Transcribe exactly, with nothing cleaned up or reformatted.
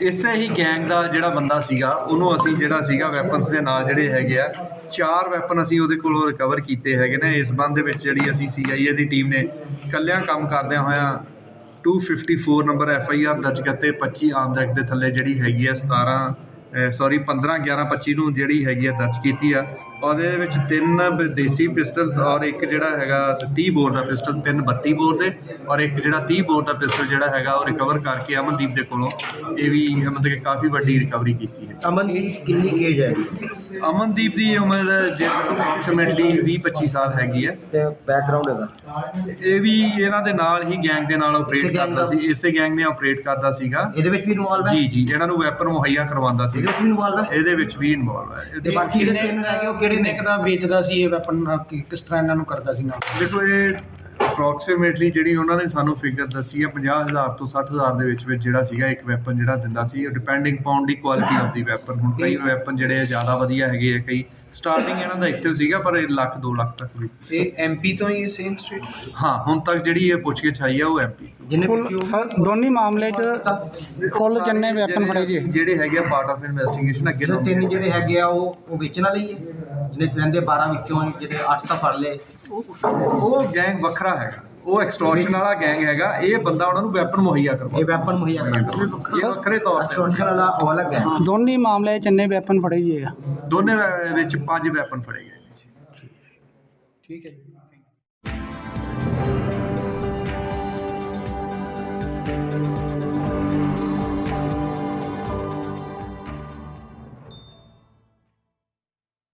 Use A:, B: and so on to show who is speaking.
A: ਇਸੇ ਹੀ ਗੈਂਗ ਦਾ ਜਿਹੜਾ ਬੰਦਾ ਸੀਗਾ ਉਹਨੂੰ ਅਸੀਂ ਜਿਹੜਾ ਸੀਗਾ ਵੈਪਨਸ ਦੇ ਨਾਲ ਜਿਹੜੇ ਹੈਗੇ ਆ ਚਾਰ ਵੈਪਨ ਅਸੀਂ ਉਹਦੇ ਕੋਲੋਂ ਰਿਕਵਰ ਕੀਤੇ ਹੈਗੇ ਨੇ। ਇਸ ਸੰਬੰਧ ਦੇ ਵਿੱਚ ਜਿਹੜੀ ਅਸੀਂ ਸੀ ਆਈ ਏ ਦੀ ਟੀਮ ਨੇ ਇਕੱਲਿਆਂ ਕੰਮ ਕਰਦਿਆਂ ਹੋਇਆਂ two fifty four number F I R ਦਰਜ ਕਰਤੇ ਪੱਚੀ ਆਰਮਜ਼ ਐਕਟ ਦੇ ਥੱਲੇ ਜਿਹੜੀ ਹੈਗੀ ਆ ਸਤਾਰਾਂ ਸੌਰੀ ਪੰਦਰਾਂ ਗਿਆਰਾਂ ਪੱਚੀ ਨੂੰ ਜਿਹੜੀ ਹੈਗੀ ਆ ਦਰਜ ਕੀਤੀ ਆ। ਉਹਦੇ ਵਿੱਚ ਤਿੰਨ ਵਿਦੇਸੀ ਪਿਸਟਲ ਔਰ ਇੱਕ ਜਿਹੜਾ ਹੈਗਾ ਤੀਹ ਬੋਰ ਦਾ ਪਿਸਟਲ, ਤਿੰਨ ਬੱਤੀ ਬੋਰ ਦੇ ਔਰ ਇੱਕ ਜਿਹੜਾ ਤੀਹ ਬੋਰ ਦਾ ਪਿਸਟਲ ਜਿਹੜਾ ਹੈਗਾ ਉਹ ਰਿਕਵਰ ਕਰਕੇ ਅਮਨਦੀਪ ਦੇ ਕੋਲੋਂ ਇਹ ਵੀ ਮਤਲਬ ਕਿ ਕਾਫੀ ਵੱਡੀ ਰਿਕਵਰੀ ਕੀਤੀ ਹੈ।
B: ਅਮਨਦੀਪ ਕਿੰਨੀ ਏਜ ਹੈ?
A: ਅਮਨਦੀਪ ਦੀ ਉਮਰ ਜੇ ਅਪਰੋਕਸੀਮੇਟਲੀ ਵੀਹ ਪੱਚੀ ਸਾਲ ਹੈਗੀ ਹੈ।
B: ਤੇ ਬੈਕਗ੍ਰਾਉਂਡ ਇਹਦਾ?
A: ਇਹ ਵੀ ਇਹਨਾਂ ਦੇ ਨਾਲ ਹੀ ਗੈਂਗ ਦੇ ਨਾਲ ਆਪਰੇਟ ਕਰਦਾ ਸੀ, ਇਸੇ ਗੈਂਗ ਨੇ ਆਪਰੇਟ ਕਰਦਾ ਸੀਗਾ।
B: ਇਹਦੇ ਵਿੱਚ ਵੀ ਇਨਵੋਲਵ ਹੈ? ਜੀ
A: ਜੀ ਇਹਨਾਂ ਨੂੰ ਵੈਪਨ ਮੁਹੱਈਆ ਕਰਵਾਉਂਦਾ ਸੀ।
B: ਇਹਦੇ ਵਿੱਚ ਵੀ ਇਨਵੋਲਵ ਹੈ?
A: ਇਹਦੇ ਵਿੱਚ ਵੀ ਇਨਵੋਲਵ ਹੈ।
B: ਤੇ ਬਾਕੀ ਜਿਹੜੇ ਤਿੰਨ ਹੈਗੇ ਉਹ ਕਿਹੜੇ ਨੇ?
C: ਦਾ ਵੇਚਦਾ ਸੀ ਇਹ ਵੈਪਨ, ਕਿਸ ਤਰ੍ਹਾਂ ਇਹਨਾਂ ਨੂੰ ਕਰਦਾ ਸੀ ਨਾਲ?
A: ਦੇਖੋ ਇਹ ਅਪਰੋਕਸੀਮੇਟਲੀ ਜਿਹੜੀ ਉਹਨਾਂ ਨੇ ਸਾਨੂੰ ਫਿਗਰ ਦੱਸੀ ਹੈ ਪੰਜਾਹ ਹਜ਼ਾਰ ਤੋਂ ਸੱਠ ਹਜ਼ਾਰ ਦੇ ਵਿੱਚ ਵਿੱਚ ਜਿਹੜਾ ਸੀਗਾ ਇੱਕ ਵੈਪਨ ਜਿਹੜਾ ਦਿੰਦਾ ਸੀ, ਡਿਪੈਂਡਿੰਗ ਪਾਉਣ ਦੀ ਕੁਆਲਿਟੀ ਆਫ ਦੀ ਵੈਪਨ। ਹੁਣ ਕਈ ਵੈਪਨ ਜਿਹੜੇ ਆ ਜ਼ਿਆਦਾ ਵਧੀਆ ਹੈਗੇ ਆ, ਕਈ ਸਟਾਰਟਿੰਗ ਇਹਨਾਂ ਦਾ ਐਕਟਿਵ ਸੀਗਾ ਪਰ ਇਹ ਲੱਖ ਦੋ ਲੱਖ ਤੱਕ ਵੀ।
C: ਇਹ ਐਮ ਪੀ ਤੋਂ ਹੀ ਸੇਮ ਸਟੇਟ?
A: ਹਾਂ ਹੁਣ ਤੱਕ ਜਿਹੜੀ ਇਹ ਪੁੱਛ ਗਿੱਛ ਆਈ ਆ ਉਹ ਐਮ ਪੀ।
D: ਸਰ ਦੋਨੀ ਮਾਮਲੇ 'ਚ ਫੁੱਲ ਕਿੰਨੇ ਵੈਪਨ ਫੜੇ ਜੀ?
A: ਜਿਹੜੇ ਹੈਗੇ ਆ ਪਾਰਟ ਆਫ ਇਨਵੈਸਟੀਗੇਸ਼ਨ ਅੱਗੇ
B: ਜਿਹੜੇ ਤਿੰਨ ਜਿਹੜੇ ਹੈਗੇ ਆ ਉਹ ਉਹ ਵੇਚਣ ਵਾਲੇ ਹੀ ਹੈ? ਜਿਹੜੇ ਰਹਿੰਦੇ ਬਾਰਾਂ ਵਿੱਚੋਂ ਜਿਹੜੇ ਅੱਠ ਤਾਂ ਫੜ ਲਏ
A: ਉਹ ਗੈਂਗ ਵੱਖਰਾ ਹੈਗਾ, ਉਹ ਐਕਸਟੋਰਸ਼ਨ ਵਾਲਾ ਗੈਂਗ ਹੈਗਾ। ਇਹ ਬੰਦਾ ਉਹਨਾਂ ਨੂੰ ਵੈਪਨ ਮੁਹੱਈਆ ਕਰਵਾਉਂਦਾ।
B: ਇਹ ਵੈਪਨ ਮੁਹੱਈਆ ਕਰਵਾਉਂਦਾ
A: ਇਹ ਵੱਖਰੇ ਤੌਰ ਤੇ
B: ਐਕਸਟੋਰਸ਼ਨ ਵਾਲਾ ਉਹ ਅਲੱਗ ਹੈ।
D: ਦੋਨੀ ਮਾਮਲੇ 'ਚ ਕਿੰਨੇ ਵੈਪਨ ਫੜੇ ਜੀ?
A: ਦੋਨੇ ਵਿੱਚ ਪੰਜ ਵੈਪਨ ਫੜੇ ਗਏ।
C: ਠੀਕ ਹੈ ਜੀ।
B: Thank you.